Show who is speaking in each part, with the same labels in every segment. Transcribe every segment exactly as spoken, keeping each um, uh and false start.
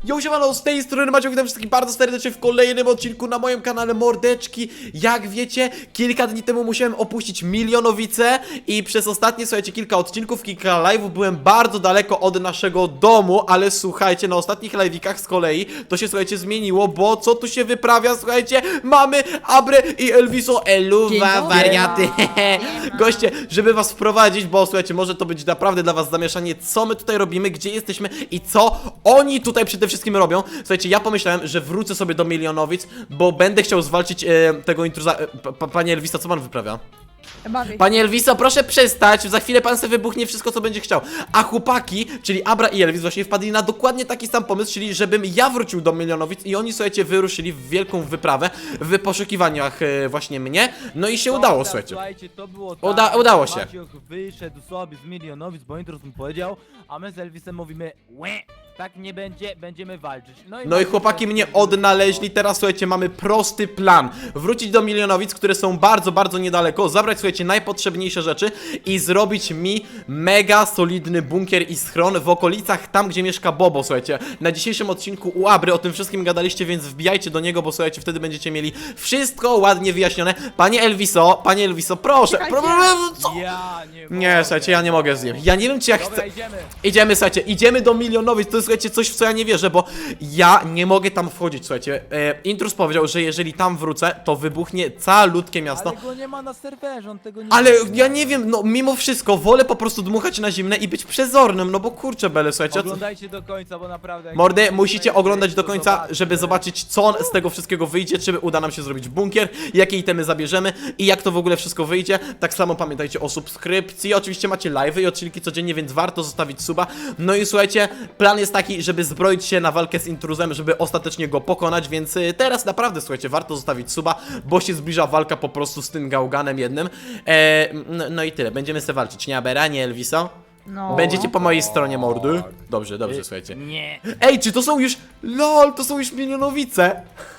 Speaker 1: Yo, siemano, z tej strony Maciek, witam wszystkich bardzo serdecznie w kolejnym odcinku na moim kanale Mordeczki. Jak wiecie, kilka dni temu musiałem opuścić Milionowicę i przez ostatnie, słuchajcie, kilka odcinków, kilka live'ów byłem bardzo daleko od naszego domu, ale słuchajcie, na ostatnich live'ikach z kolei to się, słuchajcie, zmieniło, bo co tu się wyprawia, słuchajcie, mamy Abrę i Elviso, eluwa, wariaty, goście, żeby was wprowadzić, bo słuchajcie, może to być naprawdę dla was zamieszanie, co my tutaj robimy, gdzie jesteśmy i co oni tutaj przede wszystkim robią. Słuchajcie, ja pomyślałem, że wrócę sobie do Milionowic, bo będę chciał zwalczyć e, tego intruza. E, pa, panie Elviso, co pan wyprawia?
Speaker 2: Bawię.
Speaker 1: Panie Elviso, proszę przestać, za chwilę pan sobie wybuchnie wszystko, co będzie chciał. A chłopaki, czyli Abra i Elvis, właśnie wpadli na dokładnie taki sam pomysł, czyli żebym ja wrócił do Milionowic i oni, słuchajcie, wyruszyli w wielką wyprawę w poszukiwaniach e, właśnie mnie. No i się
Speaker 3: Dobra,
Speaker 1: udało, słuchajcie.
Speaker 3: Słuchajcie, to było
Speaker 1: Uda-
Speaker 3: tak,
Speaker 1: udało się.
Speaker 3: Maciek wyszedł sobie z Milionowic, bo Intrus mu powiedział, a my z Elvisem mówimy łe, tak nie będzie, będziemy walczyć.
Speaker 1: No i
Speaker 3: Maciek
Speaker 1: chłopaki
Speaker 3: sobie
Speaker 1: mnie
Speaker 3: wybrał.
Speaker 1: odnaleźli, teraz słuchajcie, mamy prosty plan. Wrócić do Milionowic, które są bardzo, bardzo niedaleko, zabrać, słuchajcie, najpotrzebniejsze rzeczy i zrobić mi mega solidny bunkier i schron w okolicach tam, gdzie mieszka Bobo, słuchajcie. Na dzisiejszym odcinku u Abry o tym wszystkim gadaliście, więc wbijajcie do niego, bo słuchajcie, wtedy będziecie mieli wszystko ładnie wyjaśnione. Panie Elviso, panie Elviso, proszę, pro, pro, co?
Speaker 3: Ja nie
Speaker 1: Nie,
Speaker 3: mogę.
Speaker 1: słuchajcie, ja nie mogę zjem. Ja nie wiem, czy ja
Speaker 3: Dobra,
Speaker 1: chcę...
Speaker 3: idziemy.
Speaker 1: Idziemy, słuchajcie, idziemy do Milionowic, to jest, słuchajcie, coś, w co ja nie wierzę, bo ja nie mogę tam wchodzić, słuchajcie. E, Intrus powiedział, że jeżeli tam wrócę, to wybuchnie calutkie miasto.
Speaker 3: Ale go nie ma na serwerze, on tego nie
Speaker 1: Ale
Speaker 3: wie.
Speaker 1: ja nie wiem, no mimo wszystko, wolę po prostu dmuchać na zimne i być przezornym, no bo kurczę bele, słuchajcie. Co...
Speaker 3: Oglądajcie do końca, bo naprawdę... jak
Speaker 1: Mordy,
Speaker 3: nie
Speaker 1: musicie
Speaker 3: obejrzycie,
Speaker 1: oglądać do
Speaker 3: to
Speaker 1: końca,
Speaker 3: zobaczcie.
Speaker 1: żeby zobaczyć, co z tego wszystkiego wyjdzie, czy uda nam się zrobić bunkier, jakie itemy zabierzemy i jak to w ogóle wszystko wyjdzie. Tak samo pamiętajcie o subskrypcji, oczywiście macie live'y i odcinki codziennie, więc warto zostawić suba. No i słuchajcie, plan jest taki, żeby zbroić się na walkę z intruzem, żeby ostatecznie go pokonać, więc y, teraz naprawdę, słuchajcie, warto zostawić suba, bo się zbliża walka po prostu z tym gałganem jednym. E, no, no i tyle, będziemy sobie walczyć, nie Abera, nie Elviso?
Speaker 2: No.
Speaker 1: Będziecie po mojej stronie, mordy? Dobrze, dobrze,
Speaker 3: Y,
Speaker 1: słuchajcie.
Speaker 3: Nie,
Speaker 1: Ej, czy to są już... LOL, to są już Milionowice!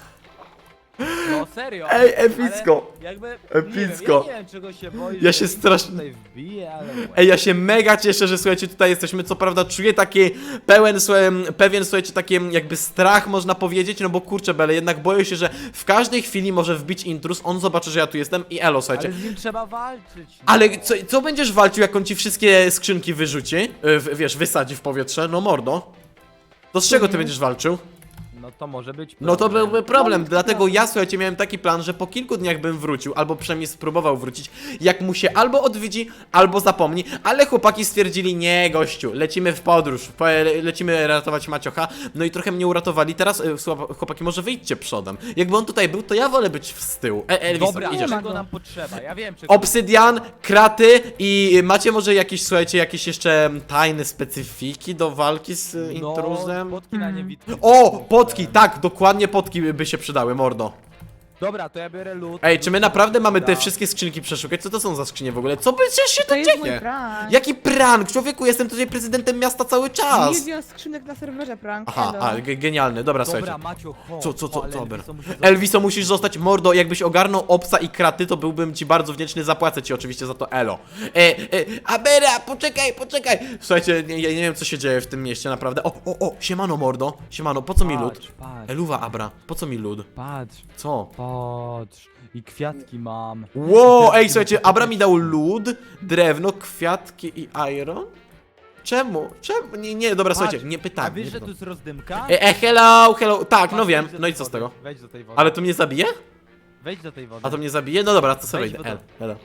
Speaker 3: no serio.
Speaker 1: Ej, epicko.
Speaker 3: Ale jakby,
Speaker 1: Epicko.
Speaker 3: Nie wiem, ja nie wiem czego się boisz.
Speaker 1: Ja
Speaker 3: że
Speaker 1: się
Speaker 3: Intrus
Speaker 1: strasznie-
Speaker 3: tutaj wbije, ale...
Speaker 1: Ej, ja się mega cieszę, że słuchajcie, tutaj jesteśmy. Co prawda czuję taki pełen, słuchaj, pewien, słuchajcie, taki jakby strach, można powiedzieć, no bo kurczę bele, jednak boję się, że w każdej chwili może wbić intruz, on zobaczy, że ja tu jestem i elo, słuchajcie.
Speaker 3: Ale z nim trzeba walczyć. No.
Speaker 1: Ale co, co będziesz walczył, jak on ci wszystkie skrzynki wyrzuci? Yy, w- wiesz, wysadzi w powietrze? No mordo. To z czego ty będziesz walczył?
Speaker 3: No to może być
Speaker 1: No to
Speaker 3: problem.
Speaker 1: byłby problem, dlatego ja, słuchajcie, miałem taki plan, że po kilku dniach bym wrócił, albo przynajmniej spróbował wrócić, jak mu się albo odwiedzi, albo zapomni, ale chłopaki stwierdzili, nie gościu, lecimy w podróż, po- le- lecimy ratować Maciocha, no i trochę mnie uratowali, teraz e, słucha- chłopaki, może wyjdźcie przodem, jakby on tutaj był, to ja wolę być z tyłu. E, Elvis,
Speaker 3: Dobra,
Speaker 1: idziesz.
Speaker 3: czego nam potrzeba? Ja wiem, czego...
Speaker 1: Obsydian, kraty i macie może jakieś, słuchajcie, jakieś jeszcze tajne specyfiki do walki z e, intruzem?
Speaker 3: No, potki na niewidki.
Speaker 1: O, potki, tak, dokładnie potki by się przydały, mordo.
Speaker 3: Dobra, to ja biorę lód.
Speaker 1: Ej, czy my naprawdę mamy te
Speaker 3: Dobra.
Speaker 1: wszystkie skrzynki przeszukać? Co to są za skrzynie w ogóle? Co by się
Speaker 2: To
Speaker 1: to
Speaker 2: jest mój
Speaker 1: dzieje?
Speaker 2: prank.
Speaker 1: Jaki prank? Człowieku, jestem tutaj prezydentem miasta cały czas.
Speaker 2: Milion skrzynek na serwerze prank.
Speaker 1: Aha,
Speaker 2: Hello.
Speaker 1: a, ge- genialny, dobra,
Speaker 3: Dobra,
Speaker 1: słuchajcie.
Speaker 3: Macio, chodź.
Speaker 1: Co, co, co,
Speaker 3: ale
Speaker 1: co,
Speaker 3: Elviso
Speaker 1: Elviso,
Speaker 3: musi zostać.
Speaker 1: Elviso, musisz zostać, mordo, jakbyś ogarnął obsa i kraty, to byłbym ci bardzo wdzięczny, zapłacę ci oczywiście za to elo. E, e, Abera, poczekaj, poczekaj. Słuchajcie, nie, ja nie wiem, co się dzieje w tym mieście, naprawdę. O, o, o, siemano, mordo, siemano, po co mi lód?
Speaker 3: Patrz, patrz,
Speaker 1: Eluwa, Abra, po co mi lód?
Speaker 3: patrz,
Speaker 1: Co?
Speaker 3: patrz. I kwiatki mam.
Speaker 1: Wow, ej, słuchajcie, Abra mi dał lód, drewno, kwiatki i iron? Czemu? Czemu? Nie, nie, dobra,
Speaker 3: Patrz,
Speaker 1: słuchajcie, nie
Speaker 3: A
Speaker 1: pytam.
Speaker 3: wiesz,
Speaker 1: Nie
Speaker 3: że tu
Speaker 1: pytam.
Speaker 3: jest rozdymka?
Speaker 1: E, e, hello, hello, tak, no
Speaker 3: Patrz,
Speaker 1: wiem,
Speaker 3: wejdź do
Speaker 1: no i
Speaker 3: tej
Speaker 1: co z
Speaker 3: wody,
Speaker 1: tego?
Speaker 3: Wejdź do tej wody.
Speaker 1: Ale to mnie zabije?
Speaker 3: Wejdź do tej wody.
Speaker 1: A to mnie zabije? No dobra, to sobie
Speaker 3: Wejdź
Speaker 1: idę.
Speaker 3: w
Speaker 1: Hello,
Speaker 3: wodę.
Speaker 1: hello.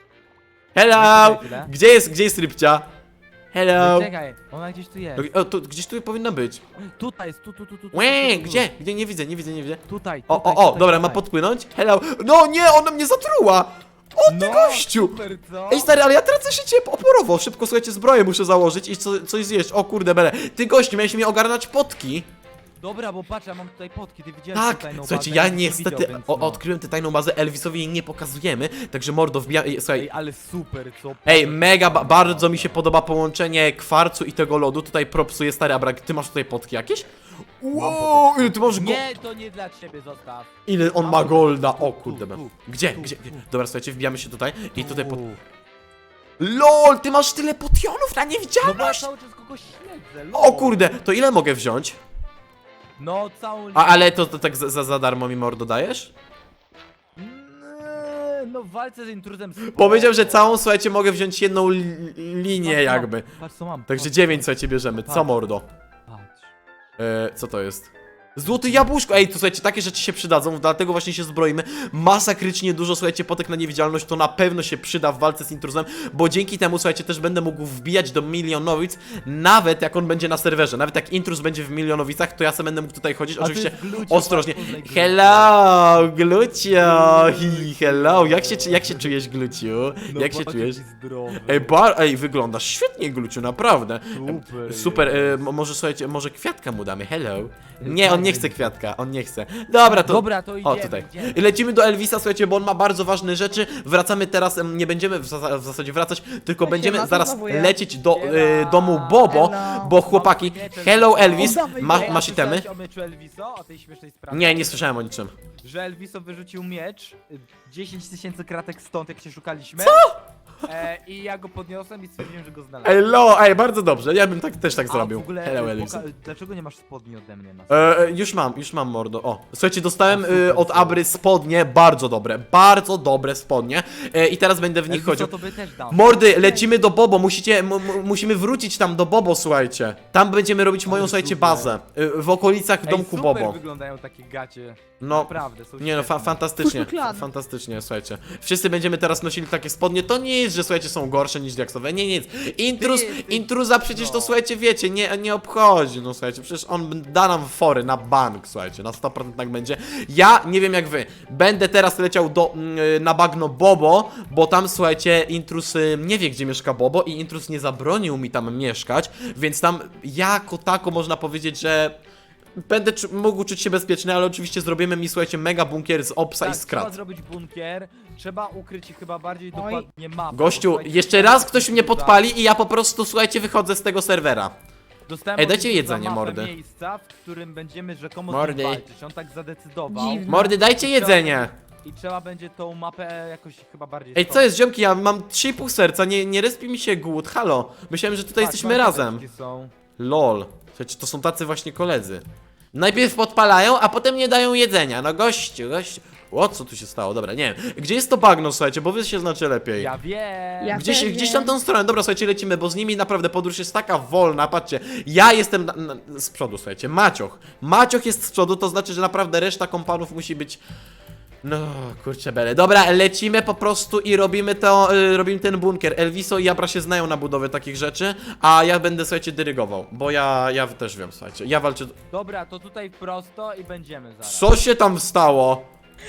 Speaker 3: Wejdź
Speaker 1: Hello!
Speaker 3: tutaj chwilę.
Speaker 1: Gdzie jest, gdzie jest rybcia? Hello!
Speaker 3: Czekaj, ona gdzieś tu jest.
Speaker 1: O, tu, gdzieś tu powinna być.
Speaker 3: Tutaj jest, tu, tu, tu, tu. tu,
Speaker 1: Łe,
Speaker 3: tu, tu, tu.
Speaker 1: gdzie? Gdzie? Nie widzę, nie widzę, nie widzę.
Speaker 3: Tutaj,
Speaker 1: O,
Speaker 3: tutaj,
Speaker 1: o, o,
Speaker 3: tutaj,
Speaker 1: dobra, ma
Speaker 3: tutaj.
Speaker 1: podpłynąć? Hello! No nie, ona mnie zatruła! O, ty
Speaker 3: No,
Speaker 1: gościu!
Speaker 3: super, co?
Speaker 1: Ej stary, ale ja tracę życie oporowo, szybko, słuchajcie, zbroję muszę założyć i co, coś zjeść, o kurde bele. Ty gościu, miałeś mi ogarnać potki.
Speaker 3: Dobra, bo patrz, ja mam tutaj potki, ty widziałeś
Speaker 1: Tak,
Speaker 3: tę tajną
Speaker 1: słuchajcie,
Speaker 3: bazę,
Speaker 1: ja
Speaker 3: nikt nie
Speaker 1: niestety
Speaker 3: widział, więc
Speaker 1: o,
Speaker 3: no.
Speaker 1: odkryłem tę tajną bazę, Elvisowi jej nie pokazujemy, także mordo, wbija... ej, Słuchaj,
Speaker 3: Ej, ale super, co?
Speaker 1: ej, mega, ba bardzo mi się podoba połączenie kwarcu i tego lodu, tutaj propsuje stary Abrak, ty masz tutaj potki jakieś? Wow, ile ty masz go...
Speaker 3: Nie, to nie dla ciebie, zostaw.
Speaker 1: Ile on ma golda, o kurde,
Speaker 3: tu, tu,
Speaker 1: gdzie,
Speaker 3: tu,
Speaker 1: gdzie,
Speaker 3: tu.
Speaker 1: gdzie? Dobra, słuchajcie, wbijamy się tutaj i tutaj pod...
Speaker 3: Tu.
Speaker 1: LOL, ty masz tyle potionów na
Speaker 3: No bo ja
Speaker 1: niewidzialność!
Speaker 3: cały czas kogoś śledzę,
Speaker 1: O kurde, to ile mogę wziąć?
Speaker 3: No, całą linię.
Speaker 1: A, ale to, to tak za, za- za darmo mi mordo dajesz?
Speaker 3: Eee, No, w walce z intruzem spoko.
Speaker 1: Powiedział, że całą, słuchajcie, mogę wziąć jedną li linię
Speaker 3: Patrz, co mam,
Speaker 1: jakby.
Speaker 3: Patrz co mam.
Speaker 1: Także
Speaker 3: patrz,
Speaker 1: dziewięć, słuchajcie, bierzemy. Co
Speaker 3: Patrz.
Speaker 1: mordo?
Speaker 3: Patrz.
Speaker 1: E, co to jest? Złote jabłuszko! Ej, to słuchajcie, takie rzeczy się przydadzą, dlatego właśnie się zbroimy. Masakrycznie dużo, słuchajcie, potek na niewidzialność to na pewno się przyda w walce z intruzem, bo dzięki temu, słuchajcie, też będę mógł wbijać do Milionowic, nawet jak on będzie na serwerze. Nawet jak intruz będzie w Milionowicach, to ja sobie będę mógł tutaj chodzić,
Speaker 3: A to
Speaker 1: oczywiście
Speaker 3: jest Glucio,
Speaker 1: ostrożnie.
Speaker 3: patrz, poznaj Glucio.
Speaker 1: Hello, Glucio! Hi, hello! Jak się, jak się czujesz, Gluciu?
Speaker 3: No,
Speaker 1: Jak się
Speaker 3: patrz,
Speaker 1: czujesz?
Speaker 3: jaki zdrowy.
Speaker 1: Ej, bar, ej, wyglądasz świetnie, Gluciu, naprawdę.
Speaker 3: Super.
Speaker 1: Super, e, mo- może słuchajcie, może kwiatka mu damy, hello. Nie, on nie chce kwiatka, on nie chce. Dobra, to...
Speaker 3: Dobra, to idziemy,
Speaker 1: O, tutaj.
Speaker 3: idziemy.
Speaker 1: I lecimy do Elvisa, słuchajcie, bo on ma bardzo ważne rzeczy. Wracamy teraz, em, nie będziemy w, zasa w zasadzie wracać, tylko
Speaker 2: Ja
Speaker 1: będziemy
Speaker 2: się
Speaker 1: zaraz
Speaker 2: zachowuję.
Speaker 1: lecieć do e,
Speaker 3: Siema.
Speaker 1: domu Bobo,
Speaker 2: Hello.
Speaker 1: bo chłopaki, hello Elvis,
Speaker 2: Oddawaj
Speaker 1: ma,
Speaker 2: go.
Speaker 3: Ej, a
Speaker 1: masz itemy?
Speaker 3: słyszałeś o meczu Elviso? O tej śmiesznej sprawie?
Speaker 1: Nie, nie słyszałem o niczym.
Speaker 3: Że Elviso wyrzucił miecz, y, dziesięć tysięcy kratek stąd, jak się szukaliśmy. Co? E, I ja go podniosłem i stwierdziłem, że go znalazłem.
Speaker 1: Hello, ej, bardzo dobrze, ja bym tak, też tak
Speaker 3: A,
Speaker 1: zrobił.
Speaker 3: w ogóle,
Speaker 1: Hello
Speaker 3: y,
Speaker 1: Elvis.
Speaker 3: poka- dlaczego nie masz spodni ode mnie na
Speaker 1: E, e, już mam, już mam mordo. O, słuchajcie, dostałem
Speaker 3: O, super,
Speaker 1: e, od
Speaker 3: super.
Speaker 1: Abry spodnie, bardzo dobre, bardzo dobre spodnie. E, I teraz będę w nich
Speaker 3: Elviso,
Speaker 1: chodził.
Speaker 3: to by też dam.
Speaker 1: Mordy, lecimy do Bobo, musicie, m- m- musimy wrócić tam do Bobo, słuchajcie. Tam będziemy robić moją,
Speaker 3: Ale
Speaker 1: słuchajcie,
Speaker 3: super.
Speaker 1: bazę. y, W okolicach
Speaker 3: Ej,
Speaker 1: domku
Speaker 3: super
Speaker 1: Bobo.
Speaker 3: wyglądają takie gacie.
Speaker 1: No,
Speaker 3: Naprawdę, są
Speaker 1: nie no, fa
Speaker 3: świetne.
Speaker 1: fantastycznie,
Speaker 2: Puszczy klan.
Speaker 1: fantastycznie, słuchajcie. Wszyscy będziemy teraz nosili takie spodnie, to nie jest, że słuchajcie, są gorsze niż diaksowe, nie, nic. Intruz,
Speaker 3: Ty, ty,
Speaker 1: intruza przecież to,
Speaker 3: no.
Speaker 1: słuchajcie, wiecie, nie, nie obchodzi, no słuchajcie, przecież on da nam fory na bank, słuchajcie, na sto procent tak będzie. Ja nie wiem jak wy, będę teraz leciał do, mm, na bagno Bobo, bo tam, słuchajcie, intruz y, nie wie, gdzie mieszka Bobo i intruz nie zabronił mi tam mieszkać, więc tam jako tako można powiedzieć, że będę czu- mógł czuć się bezpieczny, ale oczywiście zrobimy mi, słuchajcie, mega bunkier z obsa
Speaker 3: Tak,
Speaker 1: i
Speaker 3: trzeba
Speaker 1: skrat.
Speaker 3: zrobić bunkier, trzeba ukryć chyba bardziej
Speaker 2: Oj.
Speaker 3: dokładnie mapę.
Speaker 1: Gościu,
Speaker 3: Słuchajcie,
Speaker 1: jeszcze raz ktoś mnie podpali i ja po prostu, słuchajcie, wychodzę z tego serwera.
Speaker 3: Dostałem
Speaker 1: Ej,
Speaker 3: od
Speaker 1: dajcie
Speaker 3: Elvisa
Speaker 1: jedzenie,
Speaker 3: mapę
Speaker 1: mordy.
Speaker 3: miejsca, w którym będziemy rzekomo
Speaker 1: Mordy.
Speaker 3: z nim walczyć. On tak zadecydował.
Speaker 2: Dziwne.
Speaker 1: Mordy, dajcie jedzenie!
Speaker 3: I trzeba będzie tą mapę jakoś chyba bardziej...
Speaker 1: Ej, co jest, ziomki, ja mam trzy i pół serca, nie, nie respi mi się głód, halo. Myślałem, że tutaj
Speaker 3: Tak,
Speaker 1: jesteśmy razem.
Speaker 3: marcheweczki Są.
Speaker 1: Lol. Słuchajcie, to są tacy właśnie koledzy. Najpierw podpalają, a potem nie dają jedzenia. No gościu, gościu. O, co tu się stało? Dobra, nie wiem. Gdzie jest to bagno, słuchajcie, bo wy się znacie lepiej.
Speaker 3: Ja wiem.
Speaker 2: Ja
Speaker 1: Gdzieś,
Speaker 2: też
Speaker 1: gdzieś
Speaker 2: wiem.
Speaker 1: tam tą stronę, dobra, słuchajcie, lecimy, bo z nimi naprawdę podróż jest taka wolna, patrzcie. Ja jestem na, na, z przodu, słuchajcie, Macioch. Macioch jest z przodu, to znaczy, że naprawdę reszta kompanów musi być... No, kurczę bele. Dobra, lecimy po prostu i robimy to, y, robimy ten bunkier. Elviso i Abra się znają na budowie takich rzeczy, a ja będę, słuchajcie, dyrygował, bo ja, ja też wiem, słuchajcie, ja walczę...
Speaker 3: Dobra, to tutaj prosto i będziemy zaraz.
Speaker 1: Co się tam stało?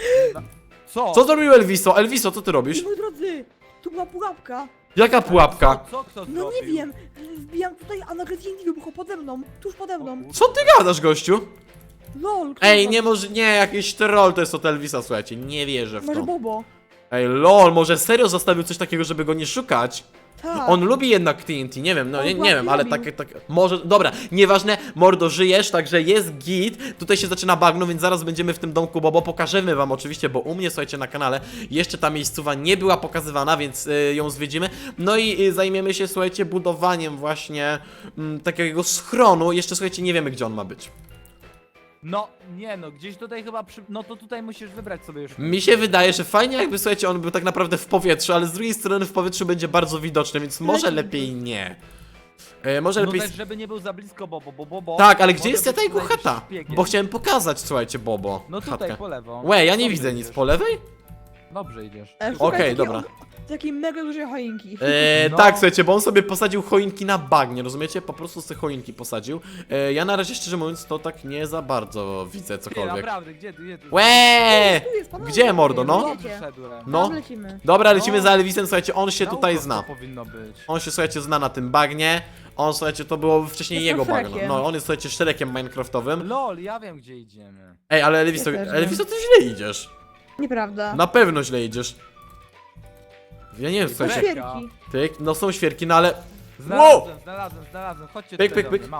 Speaker 3: Co?
Speaker 1: Co zrobił Elviso? Elviso, co ty robisz?
Speaker 2: Moi drodzy, tu była pułapka.
Speaker 1: Jaka pułapka?
Speaker 3: Co, co kto
Speaker 2: No
Speaker 3: zrobił?
Speaker 2: nie wiem, wbijam tutaj, a nagle T N T wybuchło pode mną, tuż pode mną.
Speaker 1: Co ty gadasz, gościu?
Speaker 2: Lol, kto
Speaker 1: Ej,
Speaker 2: to?
Speaker 1: nie może, nie, jakiś troll to jest od Elvisa, słuchajcie, nie wierzę w
Speaker 2: Może
Speaker 1: to.
Speaker 2: Bobo.
Speaker 1: Ej, lol, może serio zostawił coś takiego, żeby go nie szukać?
Speaker 2: Tak.
Speaker 1: On lubi jednak T N T, nie wiem, no
Speaker 2: On
Speaker 1: nie, nie
Speaker 2: właśnie
Speaker 1: wiem, ale
Speaker 2: lubił.
Speaker 1: takie, tak, może, dobra, nieważne, mordo, żyjesz, także jest git, tutaj się zaczyna bagno, więc zaraz będziemy w tym domku Bobo, pokażemy wam oczywiście, bo u mnie, słuchajcie, na kanale jeszcze ta miejscowa nie była pokazywana, więc y, ją zwiedzimy, no i y, zajmiemy się, słuchajcie, budowaniem właśnie mm, takiego schronu, jeszcze, słuchajcie, nie wiemy, gdzie on ma być.
Speaker 3: No, nie no, gdzieś tutaj chyba przy... No to tutaj musisz wybrać sobie już.
Speaker 1: Mi się wydaje, że fajnie jakby, słuchajcie, on był tak naprawdę w powietrzu, ale z drugiej strony w powietrzu będzie bardzo widoczny, więc może
Speaker 2: Leci.
Speaker 1: lepiej nie. E, może
Speaker 3: No
Speaker 1: lepiej...
Speaker 3: też, żeby nie był za blisko Bobo, bo Bobo...
Speaker 1: Tak, ale gdzie
Speaker 3: może
Speaker 1: jest
Speaker 3: być
Speaker 1: ta jego
Speaker 3: najwyższym
Speaker 1: chata?
Speaker 3: szpiegiem.
Speaker 1: Bo chciałem pokazać, słuchajcie, Bobo.
Speaker 3: No tutaj,
Speaker 1: chatkę.
Speaker 3: po lewo.
Speaker 1: Łe, ja nie
Speaker 3: Dobrze
Speaker 1: widzę nic.
Speaker 3: idziesz.
Speaker 1: Po lewej?
Speaker 3: Dobrze idziesz.
Speaker 2: E,
Speaker 3: Tu-
Speaker 2: szukaj
Speaker 1: Okej,
Speaker 2: takiej
Speaker 1: dobra.
Speaker 2: og- Takiej mega dużej choinki.
Speaker 1: E,
Speaker 3: No.
Speaker 1: Tak, słuchajcie, bo on sobie posadził choinki na bagnie, rozumiecie? Po prostu sobie choinki posadził. E, ja na razie, szczerze mówiąc, to tak nie za bardzo widzę
Speaker 3: Ty,
Speaker 1: cokolwiek.
Speaker 3: naprawdę, gdzie tu, gdzie tu?
Speaker 1: Łe!
Speaker 2: Tu jest, panowie.
Speaker 1: Gdzie, mordo, no?
Speaker 3: Dobrze szedłem.
Speaker 1: No.
Speaker 2: Tam lecimy.
Speaker 1: Dobra, lecimy
Speaker 3: No.
Speaker 1: za Elvisem, słuchajcie, on się
Speaker 3: Na
Speaker 1: tutaj
Speaker 3: ucho
Speaker 1: zna.
Speaker 3: to powinno być.
Speaker 1: On się, słuchajcie, zna na tym bagnie. On, słuchajcie, to było wcześniej
Speaker 2: Jestem
Speaker 1: jego bagno.
Speaker 2: Shrekiem.
Speaker 1: No, on jest, słuchajcie, Shrekiem minecraftowym.
Speaker 3: Lol, ja wiem gdzie idziemy.
Speaker 1: Ej, ale Elviso,
Speaker 2: Ja też wiem.
Speaker 1: Elviso, ty źle idziesz.
Speaker 2: Nieprawda.
Speaker 1: Na pewno źle idziesz. Ja nie wiem,
Speaker 2: To
Speaker 1: słuchajcie.
Speaker 2: świerki.
Speaker 1: Tyk, no są świerki, no ale...
Speaker 3: Znalazłem, znalazłem, znalazłem. Chodźcie
Speaker 1: Pyk,
Speaker 3: tutaj
Speaker 1: pyk,
Speaker 3: do
Speaker 1: pyk.
Speaker 3: mnie, mam.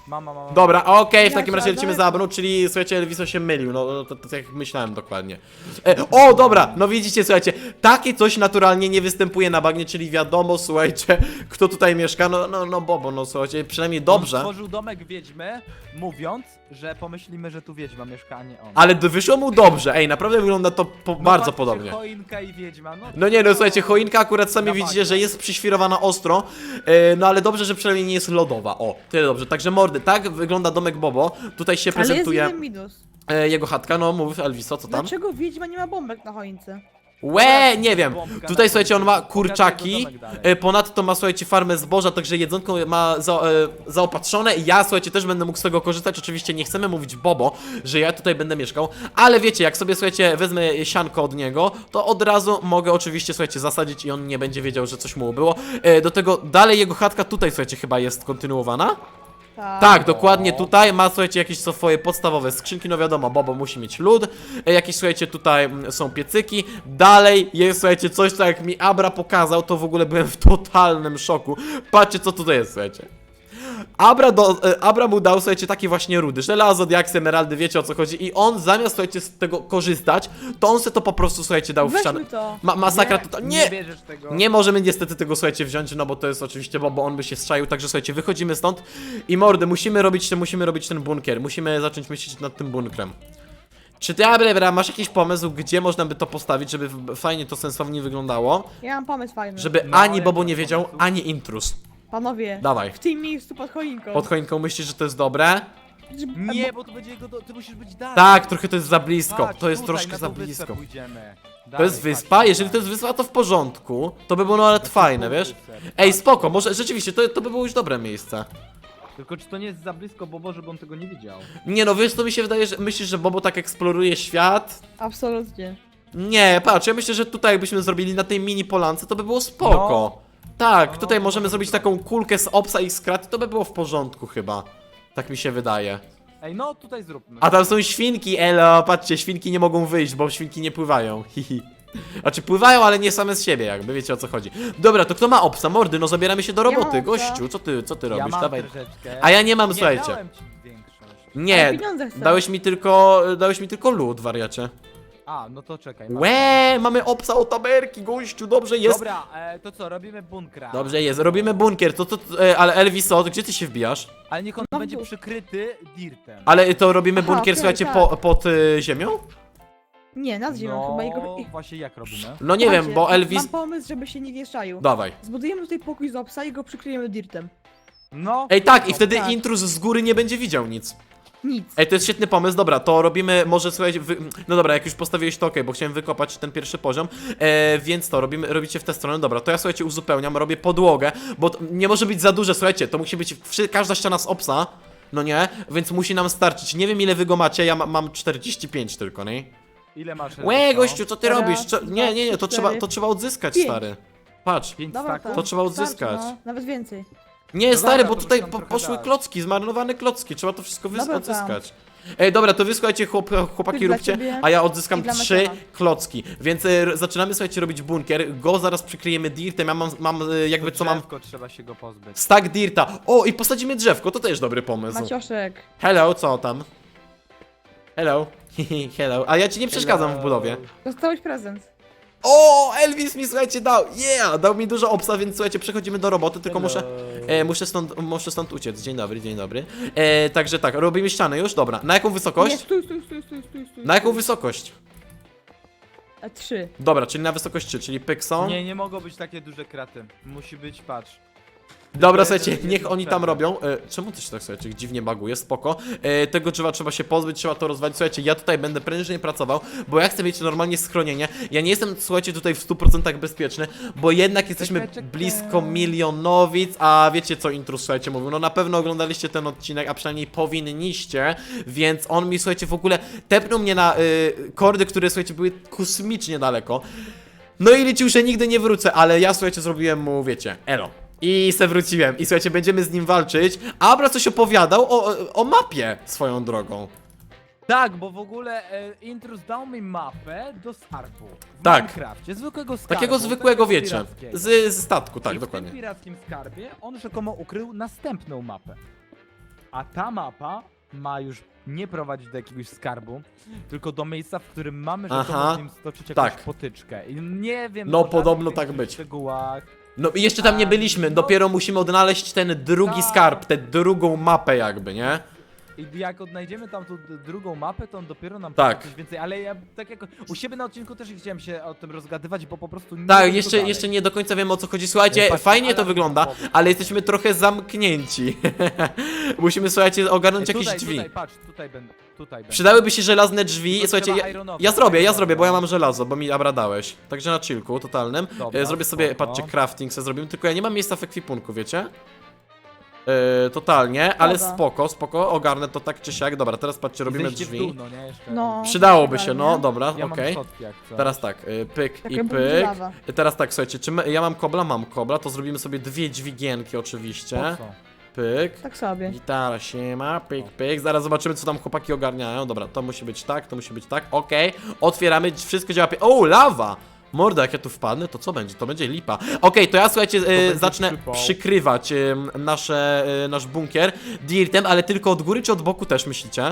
Speaker 3: Mama, mama.
Speaker 1: Dobra, okej, w
Speaker 2: Ja
Speaker 1: takim
Speaker 2: to
Speaker 1: razie lecimy
Speaker 2: daleko.
Speaker 1: za Abrą, czyli słuchajcie, Elviso się mylił, no no, to, to, jak myślałem dokładnie. E, o, dobra, no widzicie, słuchajcie, takie coś naturalnie nie występuje na bagnie, czyli wiadomo, słuchajcie, kto tutaj mieszka, no, no, no Bobo, no słuchajcie, przynajmniej
Speaker 3: On
Speaker 1: dobrze.
Speaker 3: stworzył domek wiedźmy, mówiąc, że pomyślimy, że tu wiedźma mieszka, a nie on.
Speaker 1: Ale d- wyszło mu dobrze, ej, naprawdę wygląda to po,
Speaker 3: No
Speaker 1: bardzo
Speaker 3: patrzcie,
Speaker 1: podobnie.
Speaker 3: choinka i wiedźma, no.
Speaker 1: No nie, no słuchajcie, choinka akurat sami
Speaker 3: Na
Speaker 1: widzicie,
Speaker 3: bagnie.
Speaker 1: że jest przyświrowana ostro, e, no ale dobrze, że przynajmniej nie jest lodowa, o, tyle dobrze. Także mordy, tak wygląda domek Bobo, tutaj się
Speaker 2: Ale jest
Speaker 1: prezentuje
Speaker 2: jeden minus.
Speaker 1: e, jego chatka, no mów Elviso, co tam?
Speaker 2: Dlaczego wiedźma nie ma bombek na choince?
Speaker 1: Łe, nie wiem,
Speaker 3: Bombka
Speaker 1: tutaj
Speaker 3: na
Speaker 1: słuchajcie, on ma
Speaker 3: końcu. Pokażę
Speaker 1: kurczaki,
Speaker 3: jego domek dalej.
Speaker 1: e, ponadto ma słuchajcie farmę zboża, także jedzonko ma za, e, zaopatrzone i ja słuchajcie też będę mógł z tego korzystać, oczywiście nie chcemy mówić Bobo, że ja tutaj będę mieszkał, ale wiecie, jak sobie słuchajcie wezmę sianko od niego, to od razu mogę oczywiście słuchajcie zasadzić i on nie będzie wiedział, że coś mu było. E, do tego dalej jego chatka tutaj słuchajcie chyba jest kontynuowana.
Speaker 2: Tak.
Speaker 1: Tak, dokładnie tutaj ma, słuchajcie, jakieś co swoje podstawowe skrzynki, no wiadomo, Bobo musi mieć lód, e, jakieś, słuchajcie, tutaj mm, są piecyki, dalej jest, słuchajcie, coś, co jak mi Abra pokazał, to w ogóle byłem w totalnym szoku, patrzcie, co tutaj jest, słuchajcie. Abra, do, e, Abra mu dał, słuchajcie, takie właśnie rudy, żelazo, diaksy, emeraldy, wiecie o co chodzi i on zamiast, słuchajcie, z tego korzystać, to on se to po prostu, słuchajcie, dał w ścianę.
Speaker 2: Weźmy to.
Speaker 1: Ma, masakra
Speaker 3: nie,
Speaker 1: to...
Speaker 3: Nie
Speaker 1: Nie!
Speaker 3: bierzesz tego.
Speaker 1: Nie możemy niestety tego, słuchajcie, wziąć, no bo to jest oczywiście, bo, bo on by się strzaił, także słuchajcie, wychodzimy stąd i mordy, musimy robić, ten, musimy robić ten bunkier, musimy zacząć myśleć nad tym bunkrem. Czy ty, Abra, masz jakiś pomysł, gdzie można by to postawić, żeby w- fajnie to sensownie wyglądało,
Speaker 2: Ja mam pomysł fajny.
Speaker 1: żeby
Speaker 3: No,
Speaker 1: ani
Speaker 3: jak
Speaker 1: Bobo
Speaker 3: masz
Speaker 1: nie wiedział,
Speaker 3: pomysł?
Speaker 1: ani intruz.
Speaker 2: Panowie,
Speaker 1: Dawaj.
Speaker 2: w tym miejscu pod choinką.
Speaker 1: Pod choinką myślisz, że to jest dobre?
Speaker 2: Żeby-
Speaker 3: Nie, bo to będzie jego, do... ty musisz być dalej.
Speaker 1: Tak, trochę to jest za blisko,
Speaker 3: Patrz,
Speaker 1: to jest
Speaker 3: tutaj,
Speaker 1: troszkę
Speaker 3: na
Speaker 1: za
Speaker 3: tą wyspę
Speaker 1: blisko.
Speaker 3: pójdziemy.
Speaker 1: To
Speaker 3: Dalej,
Speaker 1: jest
Speaker 3: patrz,
Speaker 1: wyspa? Jeżeli to
Speaker 3: tutaj.
Speaker 1: jest wyspa, to w porządku. To by było nawet fajne, wiesz? Ej, spoko, może rzeczywiście, to, to by było już dobre miejsce.
Speaker 3: Tylko czy to nie jest za blisko Bobo, żeby on tego nie widział?
Speaker 1: Nie no, wiesz co mi się wydaje, że myślisz, że Bobo tak eksploruje świat?
Speaker 2: Absolutnie.
Speaker 1: Nie, patrz, ja myślę, że tutaj jakbyśmy zrobili na tej mini polance, to by było spoko. Tak,
Speaker 3: No,
Speaker 1: tutaj
Speaker 3: no,
Speaker 1: możemy
Speaker 3: no,
Speaker 1: zrobić
Speaker 3: no.
Speaker 1: taką kulkę z obsa i z kraty, to by było w porządku chyba. Tak mi się wydaje.
Speaker 3: Ej, no tutaj zróbmy.
Speaker 1: A tam są świnki, elo, patrzcie, świnki nie mogą wyjść, bo świnki nie pływają, hihi. Znaczy pływają, ale nie same z siebie jakby, wiecie o co chodzi. Dobra, to kto ma obsa? Mordy, no zabieramy się do
Speaker 2: Ja mam
Speaker 1: roboty,
Speaker 2: obsa.
Speaker 1: gościu, co ty, co ty
Speaker 3: ja
Speaker 1: robisz?
Speaker 3: mam
Speaker 1: Dawaj.
Speaker 3: troszeczkę.
Speaker 1: A ja nie mam,
Speaker 3: nie,
Speaker 1: słuchajcie.
Speaker 3: dałem ci większość.
Speaker 1: Nie,
Speaker 2: Ale pieniądze chcę.
Speaker 1: dałeś mi tylko, dałeś mi tylko lód, wariacie.
Speaker 3: A, no to czekaj. masz.
Speaker 1: Łe, mamy obsa o taberki, gościu, dobrze jest.
Speaker 3: Dobra, e, to co, robimy bunkra.
Speaker 1: Dobrze jest, robimy bunkier, to, to, e, ale Elviso, gdzie ty się wbijasz?
Speaker 3: Ale niech on
Speaker 2: No,
Speaker 3: będzie
Speaker 2: tu.
Speaker 3: przykryty dirtem.
Speaker 1: Ale to robimy
Speaker 2: Aha,
Speaker 1: bunkier,
Speaker 2: okej,
Speaker 1: słuchajcie,
Speaker 2: tak.
Speaker 1: po, pod y, ziemią?
Speaker 2: Nie, nad ziemią
Speaker 3: no,
Speaker 2: chyba jego...
Speaker 3: właśnie jak robimy?
Speaker 1: No nie wiem, bo Elvis...
Speaker 2: Mam pomysł, żeby się nie wieszczaił.
Speaker 1: Dawaj.
Speaker 2: Zbudujemy tutaj pokój z obsa i go przykryjemy dirtem.
Speaker 3: No.
Speaker 1: Ej, tak, i wtedy
Speaker 2: tak.
Speaker 1: intruz z góry nie będzie widział nic.
Speaker 2: Nic.
Speaker 1: Ej, to jest świetny pomysł, dobra, to robimy, może słuchajcie, wy... no dobra, jak już postawiłeś to okej, bo chciałem wykopać ten pierwszy poziom, e, więc to robimy, robicie w tę stronę, dobra, to ja słuchajcie uzupełniam, robię podłogę, bo to nie może być za duże, słuchajcie, to musi być wszy... każda ściana z obsa, no nie, więc musi nam starczyć, nie wiem ile wy go macie, ja ma, mam czterdzieści pięć tylko, nie?
Speaker 3: Ile masz?
Speaker 1: Łe,
Speaker 3: Elviso?
Speaker 1: gościu, co ty
Speaker 2: Raz,
Speaker 1: robisz? Cze...
Speaker 2: dwa,
Speaker 1: Nie, nie, nie, to
Speaker 2: trzy,
Speaker 1: trzeba,
Speaker 2: cztery,
Speaker 1: to trzeba odzyskać,
Speaker 2: pięć.
Speaker 1: stary. Patrz.
Speaker 3: Pięć
Speaker 2: Dobra,
Speaker 3: staków?
Speaker 1: To trzeba
Speaker 2: Starczy,
Speaker 1: odzyskać.
Speaker 2: No, nawet więcej.
Speaker 1: Nie,
Speaker 3: No
Speaker 1: stary,
Speaker 3: dobra,
Speaker 1: bo
Speaker 3: to
Speaker 1: tutaj
Speaker 3: muszę
Speaker 1: po,
Speaker 3: tam
Speaker 1: poszły
Speaker 3: trochę dać.
Speaker 1: klocki, zmarnowane klocki, trzeba to wszystko wys-
Speaker 2: Dobra, tam.
Speaker 1: odzyskać. Ej, dobra, to wy słuchajcie, chłop, chłopaki
Speaker 2: Ty dla
Speaker 1: róbcie,
Speaker 2: ciebie
Speaker 1: a ja odzyskam
Speaker 2: i dla
Speaker 1: trzy
Speaker 2: Maciacha.
Speaker 1: klocki. Więc e, r- zaczynamy, słuchajcie, robić bunkier, go zaraz przykryjemy dirtem, ja mam, mam e, jakby co mam...
Speaker 3: Drzewko trzeba się go pozbyć.
Speaker 1: Stack dirta. O, i posadzimy drzewko, to też dobry pomysł.
Speaker 2: Macioszek.
Speaker 1: Hello, co tam? Hello. Hello. A ja ci nie przeszkadzam w budowie.
Speaker 2: Dostałeś prezent.
Speaker 1: O, Elvis mi, słuchajcie, dał. Yeah, dał mi dużo obsa, więc słuchajcie, przechodzimy do roboty, tylko muszę... E, muszę, stąd, muszę stąd uciec. Dzień dobry, dzień dobry. E, także tak, robimy ścianę już, dobra. Na jaką
Speaker 2: Nie,
Speaker 1: wysokość?
Speaker 2: stój, stój, stój, stój, stój, stój.
Speaker 1: Na jaką wysokość?
Speaker 2: E, Trzy.
Speaker 1: Dobra, czyli na wysokość trzy, czyli pykson.
Speaker 3: Nie, nie mogą być takie duże kraty. Musi być, patrz.
Speaker 1: Dobra,
Speaker 3: jeden-
Speaker 1: słuchajcie,
Speaker 3: jeden
Speaker 1: niech oni tam
Speaker 3: przerwę.
Speaker 1: robią. E, czemu to się tak, słuchajcie, dziwnie baguje? Spoko. E, tego drzewa trzeba się pozbyć, trzeba to rozwalić. Słuchajcie, ja tutaj będę prężnie pracował, bo ja chcę mieć normalnie schronienie. Ja nie jestem, słuchajcie, tutaj w stu procentach bezpieczny, bo jednak jesteśmy
Speaker 3: Czekaj, czekaj.
Speaker 1: blisko milionowic, a wiecie co intrus, słuchajcie, mówił. No na pewno oglądaliście ten odcinek, a przynajmniej powinniście, więc on mi, słuchajcie, w ogóle tepnął mnie na y, kordy, które, słuchajcie, były kosmicznie daleko. No i liczył, że nigdy nie wrócę, ale ja, słuchajcie, zrobiłem mu, wiecie, elo. I se wróciłem. I słuchajcie, będziemy z nim walczyć. Abra coś opowiadał o, o, o mapie swoją drogą.
Speaker 3: Tak, bo w ogóle e, Intrus dał mi mapę do skarbu. W
Speaker 1: Tak.
Speaker 3: Minecrafcie, zwykłego skarbu.
Speaker 1: Takiego zwykłego,
Speaker 3: takiego
Speaker 1: wiecie.
Speaker 3: pirackiego.
Speaker 1: Z, z statku, tak,
Speaker 3: I w
Speaker 1: dokładnie.
Speaker 3: tym pirackim skarbie on rzekomo ukrył następną mapę. a ta mapa ma już nie prowadzić do jakiegoś skarbu, tylko do miejsca, w którym mamy
Speaker 1: Aha,
Speaker 3: rzekomo z nim stoczyć jakąś
Speaker 1: tak.
Speaker 3: potyczkę. I nie wiem...
Speaker 1: No,
Speaker 3: o
Speaker 1: podobno
Speaker 3: żadnych
Speaker 1: tak
Speaker 3: tych
Speaker 1: być.
Speaker 3: szczegółach.
Speaker 1: No i jeszcze tam nie
Speaker 3: A,
Speaker 1: byliśmy,
Speaker 3: no.
Speaker 1: dopiero musimy odnaleźć ten drugi
Speaker 3: Tak.
Speaker 1: skarb, tę drugą mapę jakby, nie?
Speaker 3: I jak odnajdziemy tam tą d- drugą mapę, to on dopiero nam
Speaker 1: Tak.
Speaker 3: powie coś więcej, ale ja tak jak u siebie na odcinku też nie chciałem się o tym rozgadywać, bo po prostu nie
Speaker 1: Tak,
Speaker 3: wiem, co
Speaker 1: jeszcze,
Speaker 3: dalej.
Speaker 1: jeszcze nie do końca wiem o co chodzi. Słuchajcie,
Speaker 3: Patrzcie,
Speaker 1: fajnie to
Speaker 3: alarm
Speaker 1: wygląda,
Speaker 3: bombowy.
Speaker 1: ale jesteśmy trochę zamknięci. Musimy, słuchajcie, ogarnąć
Speaker 3: Ej,
Speaker 1: jakieś
Speaker 3: tutaj,
Speaker 1: drzwi.
Speaker 3: Tutaj, patrz, tutaj będę, tutaj będę.
Speaker 1: Przydałyby się żelazne drzwi.
Speaker 3: Tylko
Speaker 1: Słuchajcie,
Speaker 3: trzeba
Speaker 1: ja,
Speaker 3: ironować.
Speaker 1: ja zrobię, ja zrobię, bo ja mam żelazo, bo mi Abra dałeś. Także na chillku totalnym.
Speaker 3: Dobra,
Speaker 1: E, zrobię sobie,
Speaker 3: spoko.
Speaker 1: patrzcie, crafting sobie zrobimy, tylko ja nie mam miejsca w ekwipunku, wiecie? E, totalnie, ale
Speaker 2: Dobra.
Speaker 1: spoko, spoko, ogarnę to tak czy siak. Dobra, teraz patrzcie, robimy
Speaker 3: Zejście w
Speaker 1: drzwi.
Speaker 3: dół, no nie, jeszcze.
Speaker 2: No.
Speaker 1: Przydałoby się, no,
Speaker 2: Idealnie.
Speaker 1: dobra,
Speaker 3: Ja
Speaker 1: okej.
Speaker 3: mam schodki jak coś.
Speaker 1: Teraz tak, y, pyk
Speaker 2: Tak
Speaker 1: i
Speaker 2: jakby
Speaker 1: pyk.
Speaker 2: lawa.
Speaker 1: I teraz tak, słuchajcie, czy my, ja mam kobla? Mam kobla, to zrobimy sobie dwie dźwigienki oczywiście.
Speaker 3: Po co?
Speaker 1: Pyk.
Speaker 2: Tak sobie.
Speaker 1: Gitara siema, pyk, pyk. Zaraz zobaczymy, co tam chłopaki ogarniają. Dobra, to musi być tak, to musi być tak. Okej, otwieramy, wszystko działa. pie- O, lawa! Morda, jak ja tu wpadnę, to co będzie? To będzie lipa. Okej, to ja słuchajcie, e,
Speaker 3: będzie
Speaker 1: zacznę
Speaker 3: przypał.
Speaker 1: przykrywać e, nasze, e, nasz bunkier dirtem, ale tylko od góry czy od boku też myślicie?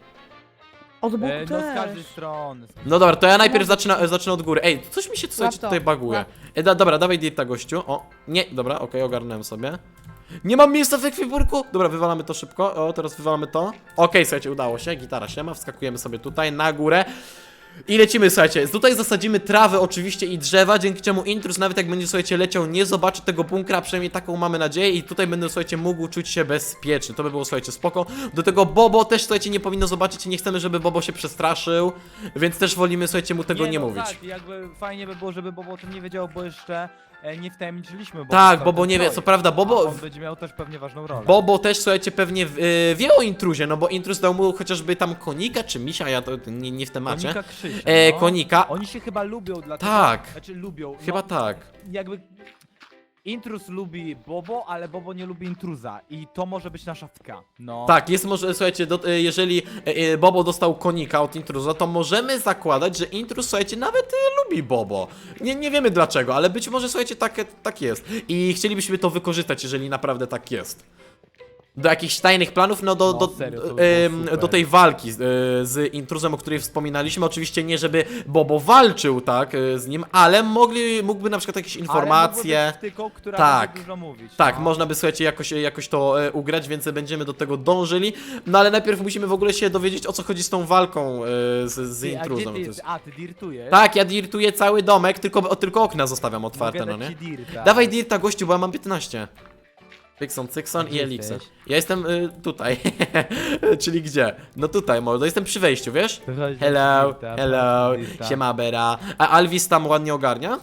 Speaker 2: Od boku
Speaker 3: E, no z
Speaker 2: też.
Speaker 3: każdej strony.
Speaker 1: No dobra, to ja najpierw
Speaker 2: No.
Speaker 1: zacznę, e, zacznę od góry. Ej, coś mi się tu, słuchajcie,
Speaker 2: Łap to,
Speaker 1: tutaj baguje.
Speaker 2: łap.
Speaker 1: E, da, dobra, dawaj dirta, gościu. O, nie, dobra, okej, ogarnąłem sobie. Nie mam miejsca w ekwipunku! Dobra, wywalamy to szybko. O, teraz wywalamy to. Okej, słuchajcie, udało się. Gitara się ma, wskakujemy sobie tutaj na górę. I lecimy, słuchajcie. Tutaj zasadzimy trawę oczywiście i drzewa, dzięki czemu intruz, nawet jak będzie, słuchajcie, leciał, nie zobaczy tego bunkra, przynajmniej taką mamy nadzieję. I tutaj będę, słuchajcie, mógł czuć się bezpieczny. To by było, słuchajcie, spoko. Do tego Bobo też, słuchajcie, nie powinno zobaczyć i nie chcemy, żeby Bobo się przestraszył. Więc też wolimy, słuchajcie, mu tego nie,
Speaker 3: no,
Speaker 1: mówić.
Speaker 3: Tak, jakby fajnie by było, żeby Bobo o tym nie wiedział, bo jeszcze e, nie wtajemniczyliśmy. Bobo
Speaker 1: Tak,
Speaker 3: cały
Speaker 1: Bobo
Speaker 3: ten
Speaker 1: nie wie,
Speaker 3: projekt.
Speaker 1: co prawda, Bobo-
Speaker 3: A on będzie miał też pewnie ważną rolę.
Speaker 1: Bobo też, słuchajcie, pewnie yy, wie o intruzie, no bo intruz dał mu chociażby tam konika czy misia, ja to nie, nie w temacie.
Speaker 3: Konika Krzysia,
Speaker 1: E,
Speaker 3: no.
Speaker 1: konika.
Speaker 3: Oni się chyba lubią dlatego...
Speaker 1: Tak.
Speaker 3: Znaczy lubią.
Speaker 1: Chyba
Speaker 3: no,
Speaker 1: tak.
Speaker 3: Jakby... Intruz lubi Bobo, ale Bobo nie lubi intruza. I to może być nasza wtka. No.
Speaker 1: Tak, jest może, słuchajcie, do, y, jeżeli y, y, Bobo dostał konika od intruza, to możemy zakładać, że intruz, słuchajcie, nawet y, lubi Bobo. Nie, nie wiemy dlaczego, ale być może, słuchajcie, tak, tak jest. I chcielibyśmy to wykorzystać, jeżeli naprawdę tak jest. Do jakichś tajnych planów, no do,
Speaker 3: No,
Speaker 1: do,
Speaker 3: serio, to by
Speaker 1: do,
Speaker 3: było
Speaker 1: em,
Speaker 3: super.
Speaker 1: do tej walki z, y, z intruzem, o której wspominaliśmy. Oczywiście nie, żeby Bobo walczył, tak, y, z nim, ale mogli, mógłby na przykład jakieś informacje.
Speaker 3: Ale mogłoby być wtyką, która
Speaker 1: Tak.
Speaker 3: będzie dużo mówić.
Speaker 1: Tak,
Speaker 3: no.
Speaker 1: można by, słuchajcie, jakoś, jakoś to e, ugrać, więc będziemy do tego dążyli. No ale najpierw musimy w ogóle się dowiedzieć, o co chodzi z tą walką e, z, z
Speaker 3: Ty, a, gdzie
Speaker 1: intruzem.
Speaker 3: ty,
Speaker 1: To jest-
Speaker 3: a, ty dirtujesz?
Speaker 1: Tak, ja dirtuję cały domek, tylko, o, tylko okna zostawiam
Speaker 3: Mogę
Speaker 1: otwarte, no
Speaker 3: dać
Speaker 1: nie?
Speaker 3: ci dirta.
Speaker 1: Dawaj dirta, gościu, bo ja mam piętnaście. Cykson,
Speaker 3: A
Speaker 1: Cykson i
Speaker 3: gdzie
Speaker 1: Elixir.
Speaker 3: jesteś?
Speaker 1: Ja jestem y, tutaj. Czyli gdzie? No tutaj, mordo, jestem przy wejściu, wiesz?
Speaker 3: To chodź,
Speaker 1: Hello,
Speaker 3: dirta,
Speaker 1: hello,
Speaker 3: dirta.
Speaker 1: siema Bera. A Alvis tam ładnie ogarnia?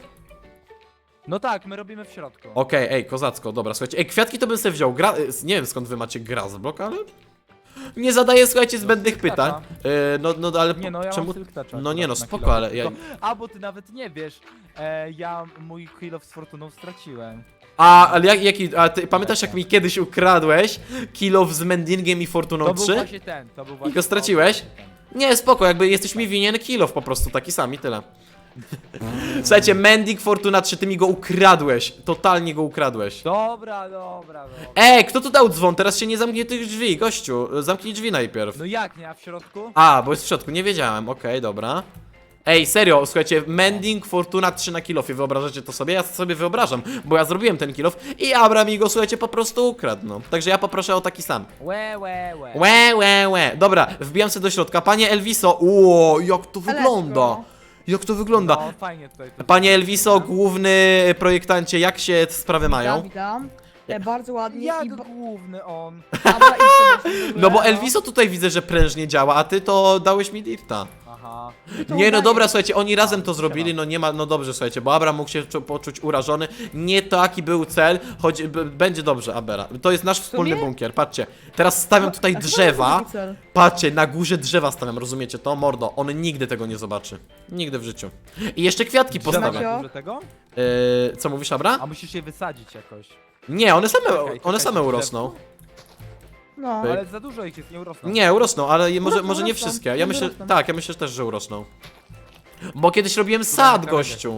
Speaker 3: No tak, my robimy w środku.
Speaker 1: Okej, ej, kozacko, dobra, słuchajcie. Ej, kwiatki to bym sobie wziął. Gra... y, Nie wiem skąd wy macie Grazblok, ale... Nie zadaję, słuchajcie, zbędnych
Speaker 3: Silk
Speaker 1: pytań.
Speaker 3: Toucha.
Speaker 1: Y, no, no, ale
Speaker 3: Nie no, ja
Speaker 1: czemu...
Speaker 3: mam Silk Toucha
Speaker 1: No nie no,
Speaker 3: akurat na
Speaker 1: spoko,
Speaker 3: kilo.
Speaker 1: ale ja...
Speaker 3: Tylko- A, bo ty nawet nie wiesz, e, ja mój kill of z fortuną straciłem.
Speaker 1: A, ale jak, jaki... A ty pamiętasz, jak mi kiedyś ukradłeś kilo z Mendingiem i Fortuną
Speaker 3: To był
Speaker 1: trzy?
Speaker 3: właśnie ten, to był właśnie
Speaker 1: go straciłeś?
Speaker 3: to, właśnie ten.
Speaker 1: Nie, spoko, jakby jesteś mi winien kilof po prostu, taki sam i tyle. Słuchajcie, Mending, Fortuna trzy, ty mi go ukradłeś. Totalnie go ukradłeś.
Speaker 3: Dobra, dobra, dobra.
Speaker 1: Ej, kto tu dał dzwon? Teraz się nie zamknie tych drzwi, gościu. Zamknij drzwi najpierw.
Speaker 3: No jak nie, a w środku?
Speaker 1: A, bo jest w środku, nie wiedziałem, okej, dobra. Ej, serio, słuchajcie, Mending, Fortuna trzy na kilofie, wyobrażacie to sobie? Ja sobie wyobrażam, bo ja zrobiłem ten kilof i Abra mi go, słuchajcie, po prostu ukradł, no. Także ja poproszę o taki sam.
Speaker 3: Łe, łe, łe.
Speaker 1: Łe, łe, łe. Dobra, wbijam się do środka. Panie Elviso, uo, jak to wygląda. Jak to wygląda.
Speaker 3: No fajnie tutaj. to
Speaker 1: Panie
Speaker 3: zrobione.
Speaker 1: Elviso, główny projektancie, jak się sprawy mają?
Speaker 2: Witam, witam. E, bardzo ładnie
Speaker 3: Jak
Speaker 2: i... Bo...
Speaker 3: główny on.
Speaker 2: Dobra, idź sobie w ogóle,
Speaker 1: No bo Elviso tutaj widzę, że prężnie działa, a ty to dałeś mi dirta.
Speaker 3: Aha.
Speaker 2: To
Speaker 1: Nie, no
Speaker 2: udaje.
Speaker 1: dobra, słuchajcie, oni razem
Speaker 3: A,
Speaker 1: to zrobili,
Speaker 3: siema.
Speaker 1: no nie ma, no dobrze, słuchajcie, bo Abra mógł się czu- poczuć urażony. Nie taki był cel, choć b- będzie dobrze, Abera. To jest nasz wspólny
Speaker 2: sumie?
Speaker 1: bunkier, patrzcie. Teraz stawiam tutaj
Speaker 2: A co
Speaker 1: drzewa.
Speaker 2: to cel?
Speaker 1: Patrzcie, na górze drzewa stawiam, rozumiecie to? Mordo, on nigdy tego nie zobaczy. Nigdy w życiu. I jeszcze kwiatki
Speaker 3: Drzewa
Speaker 1: postawię.
Speaker 2: Macio?
Speaker 3: na górze tego?
Speaker 1: Yy, co mówisz, Abra?
Speaker 3: A musisz je wysadzić jakoś.
Speaker 1: Nie, one same,
Speaker 3: Czekaj,
Speaker 1: one
Speaker 3: czekaj,
Speaker 1: same
Speaker 3: drzew-
Speaker 1: urosną.
Speaker 2: No.
Speaker 1: Pyk.
Speaker 3: Ale za dużo ich jest, nie urosną.
Speaker 1: Nie, urosną, ale je, może,
Speaker 2: Urosną,
Speaker 1: może nie
Speaker 2: urosną.
Speaker 1: wszystkie. Ja
Speaker 2: Nie
Speaker 1: myślę,
Speaker 2: urosną.
Speaker 1: tak, ja myślę też, że urosną. Bo kiedyś robiłem
Speaker 3: Tutaj
Speaker 1: sad,
Speaker 3: na krawędziach
Speaker 1: gościu.
Speaker 3: drzewa, o.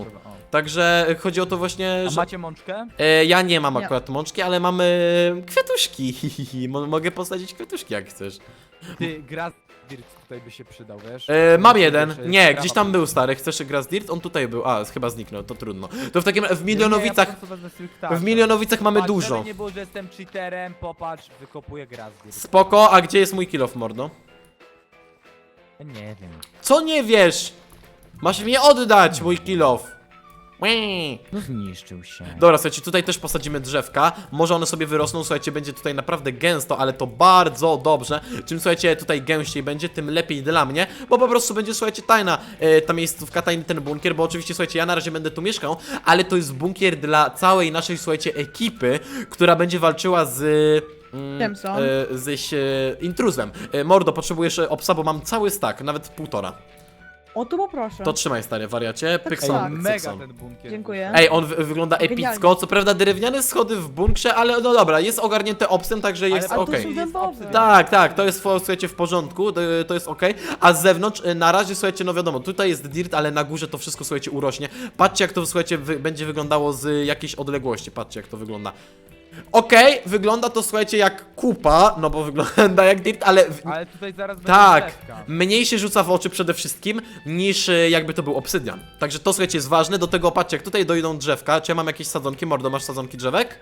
Speaker 1: Także chodzi o to właśnie,
Speaker 3: A
Speaker 1: że...
Speaker 3: macie mączkę?
Speaker 1: E, ja nie mam
Speaker 2: Nie.
Speaker 1: akurat mączki, ale mamy kwiatuszki. Mo- Mogę posadzić kwiatuszki jak chcesz.
Speaker 3: Ty, Grass Dirt tutaj by się przydał, wiesz?
Speaker 1: E, mam
Speaker 3: Myślę,
Speaker 1: jeden.
Speaker 3: że
Speaker 1: Nie,
Speaker 3: trawa
Speaker 1: gdzieś tam
Speaker 3: by-
Speaker 1: był stary. Chcesz Grass Dirt? On tutaj był. A, chyba zniknął, to trudno. To w takim w
Speaker 3: Nie, nie, ja
Speaker 1: Milionowicach.
Speaker 3: po prostu wezmę swój ptaszek.
Speaker 1: W Milionowicach mamy
Speaker 3: Patrz,
Speaker 1: dużo.
Speaker 3: żeby nie było, że jestem cheaterem, popatrz, wykopuję Grass Dirt.
Speaker 1: Spoko, a gdzie jest mój kill off, mordo?
Speaker 3: Nie wiem.
Speaker 1: Co nie wiesz? Masz mi oddać mój kill off. Łe.
Speaker 3: No zniszczył się.
Speaker 1: Dobra, słuchajcie, tutaj też posadzimy drzewka. Może one sobie wyrosną, słuchajcie, będzie tutaj naprawdę gęsto, ale to bardzo dobrze. Czym, słuchajcie, tutaj gęściej będzie, tym lepiej dla mnie, bo po prostu będzie, słuchajcie, tajna e, ta miejscówka, tajny ten bunkier, bo oczywiście, słuchajcie, ja na razie będę tu mieszkał, ale to jest bunkier dla całej naszej, słuchajcie, ekipy, która będzie walczyła z... Mm,
Speaker 2: Tempson.
Speaker 1: e, z e, intruzem. E, Mordo, potrzebujesz e, obsa, bo mam cały stack, nawet półtora.
Speaker 2: O, to poproszę.
Speaker 1: To trzymaj, stary wariacie.
Speaker 2: Tak,
Speaker 1: Pykson,
Speaker 2: tak.
Speaker 3: Mega
Speaker 1: Pykson.
Speaker 3: ten bunkier.
Speaker 2: Dziękuję.
Speaker 1: Ej, on wy wygląda
Speaker 2: Genialnie.
Speaker 1: epicko, co prawda drewniane schody w bunkrze, ale no dobra, jest ogarnięte obsem, także
Speaker 3: Ale-
Speaker 1: jest
Speaker 3: ale
Speaker 2: A
Speaker 1: okej.
Speaker 2: to są dębowe.
Speaker 1: Tak, tak, to jest, słuchajcie, w porządku, to, to jest okej, a z zewnątrz, y, na razie, słuchajcie, no wiadomo, tutaj jest dirt, ale na górze to wszystko, słuchajcie, urośnie. Patrzcie, jak to, słuchajcie, wy będzie wyglądało z jakiejś odległości, patrzcie, jak to wygląda. Okej, wygląda to, słuchajcie, jak kupa, no bo wygląda jak dirt, ale... W...
Speaker 3: Ale tutaj zaraz będzie
Speaker 1: Tak,
Speaker 3: drzewka.
Speaker 1: mniej się rzuca w oczy przede wszystkim, niż y, jakby to był obsydian. Także to, słuchajcie, jest ważne, do tego, patrzcie, jak tutaj dojdą drzewka, czy ja mam jakieś sadzonki, mordo, masz sadzonki drzewek?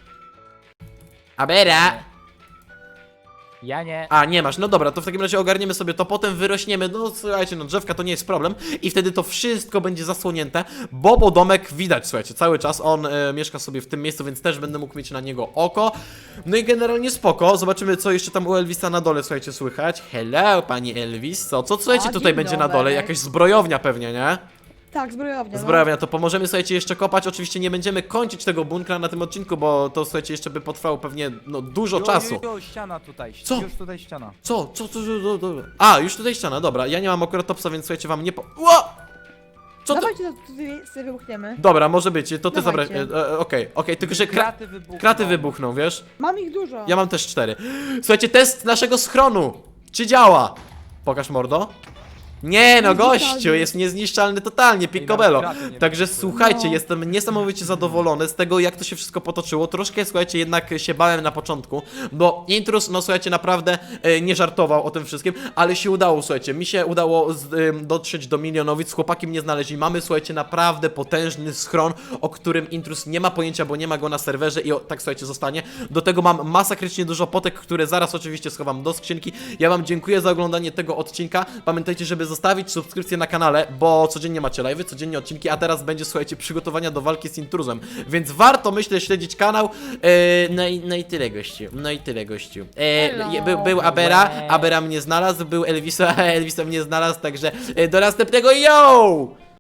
Speaker 1: Abera!
Speaker 3: Ja nie.
Speaker 1: A, nie masz, no dobra, to w takim razie ogarniemy sobie to, potem wyrośniemy, no słuchajcie, no drzewka to nie jest problem i wtedy to wszystko będzie zasłonięte, bo bo domek widać, słuchajcie, cały czas on e, mieszka sobie w tym miejscu, więc też będę mógł mieć na niego oko. No i generalnie spoko, zobaczymy co jeszcze tam u Elvisa na dole, słuchajcie, słychać. Hello, pani Elvis, co, co słuchajcie
Speaker 2: A,
Speaker 1: tutaj
Speaker 2: dzień
Speaker 1: będzie na
Speaker 2: dobry.
Speaker 1: dole, jakaś zbrojownia pewnie, nie?
Speaker 2: Tak, zbrojownia.
Speaker 1: Zbrojownia, to pomożemy, słuchajcie, jeszcze kopać, oczywiście nie będziemy kończyć tego bunkra na tym odcinku, bo to, słuchajcie, jeszcze by potrwało pewnie, no, dużo
Speaker 3: Jo,
Speaker 1: czasu.
Speaker 3: Jo, jo, ściana tutaj.
Speaker 1: Co?
Speaker 3: Już tutaj ściana.
Speaker 1: Co? Co? Co? co, co, co? A, już tutaj ściana, dobra. Ja nie mam akurat topsa, więc słuchajcie, wam nie po... Ło! Co to?
Speaker 2: Dawajcie, to tutaj sobie wybuchniemy.
Speaker 1: Dobra, może być, to ty zabrać.
Speaker 2: Dawajcie.
Speaker 1: e, e, Okej, okej, tylko że kra...
Speaker 3: Kraty wybuchną.
Speaker 1: kraty wybuchną, wiesz?
Speaker 2: Mam ich dużo.
Speaker 1: Ja mam też cztery. Słuchajcie, test naszego schronu. Czy działa? Pokaż, mordo. Nie no,
Speaker 2: Niezniszczalny.
Speaker 1: gościu, jest niezniszczalny totalnie, picobello.
Speaker 3: nawet kraty nie
Speaker 1: Także
Speaker 3: wybuchły.
Speaker 1: słuchajcie,
Speaker 2: No.
Speaker 1: jestem niesamowicie zadowolony z tego, jak to się wszystko potoczyło. Troszkę, słuchajcie, jednak się bałem na początku, bo Intrus, no słuchajcie, naprawdę e, nie żartował o tym wszystkim, ale się udało, słuchajcie, mi się udało z, e, dotrzeć do Milionowic, chłopaki mnie znaleźli. Mamy, słuchajcie, naprawdę potężny schron, o którym Intrus nie ma pojęcia, bo nie ma go na serwerze i o, tak, słuchajcie, zostanie. Do tego mam masakrycznie dużo potek, które zaraz oczywiście schowam do skrzynki. Ja wam dziękuję za oglądanie tego odcinka. Pamiętajcie, żeby zostawić subskrypcję na kanale, bo codziennie macie live'y, codziennie odcinki, a teraz będzie, słuchajcie, przygotowania do walki z Intruzem, więc warto, myślę, śledzić kanał. E, no, i, no i tyle, gościu, no i tyle, gościu. E,
Speaker 2: Hello.
Speaker 1: je- był, był Abera, Abera mnie znalazł, był Elvisa, Elvisa mnie znalazł, także e, do następnego, yo!